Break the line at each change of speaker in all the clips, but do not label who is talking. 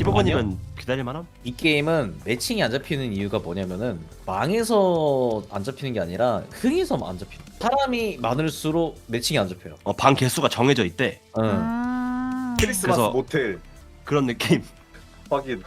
15분이면 기다릴만함?
이 게임은 매칭이 안 잡히는 이유가 뭐냐면은 망해서 안 잡히는 게 아니라 흥해서 안 잡히는. 사람이 많을수록 매칭이 안 잡혀요.
방 개수가 정해져 있대.
응.
크리스마스
그래서-
모텔
그런 느낌.
확인.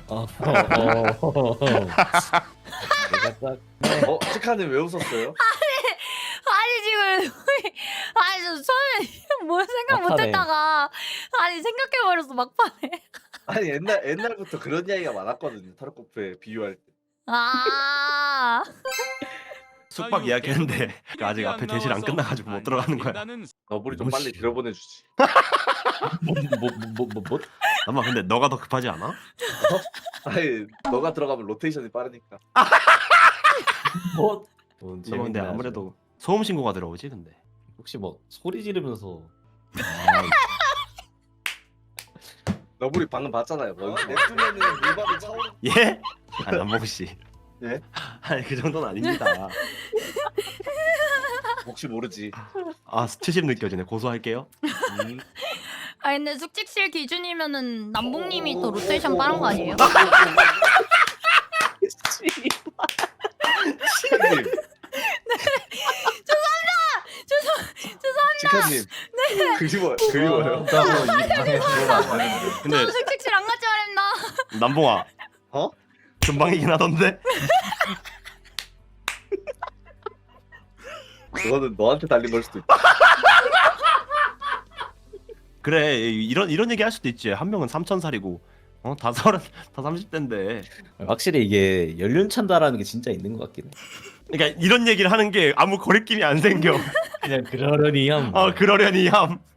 내가 딱
치카님 왜 웃었어요?
아니 지금 아니 저 처음에 뭘 생각
막판에.
못했다가 아니 생각해버렸어 막판에.
아니 옛날부터 그런 이야기가 많았거든요. 타르코프에 비유할 때.
아
숙박 예약했는데 아직 앞에 대실 안 끝나가지고 못 들어가는 거야.
너블이 좀 빨리 들어보내주지.
뭐?
아마 근데 너가 더 급하지 않아?
아니 너가 들어가면 로테이션이 빠르니까.
뭐?
너무 근데 아무래도 소음 신고가 들어오지 근데.
혹시 뭐 소리 지르면서
너블이 방금 봤잖아요. 뭐 냅두면은 물밥이 차오르.
예? 아니 남봉 씨.
예?
아니 그 정도는 아닙니다.
혹시 모르지.
아 수치심 느껴지네. 고소할게요.
아니 근데 숙직실 기준이면은 남봉님이 더 로테이션 빠른 거 아니에요?
치카님. 치카님. 그리워요.
근데
저 숙직실 안 갔지 말했나?
남봉아.
어?
금방이긴 하던데.
그거는 너한테 달린 걸 수도 있다.
그래 이런 얘기 할 수도 있지. 한 명은 3,000살이고 다 30대인데.
확실히 이게 연륜찬다라는 게 진짜 있는 것 같긴 해.
그러니까 이런 얘기를 하는 게 아무 거리낌이 안 생겨.
그냥 그러려니 함.
그러려니 함.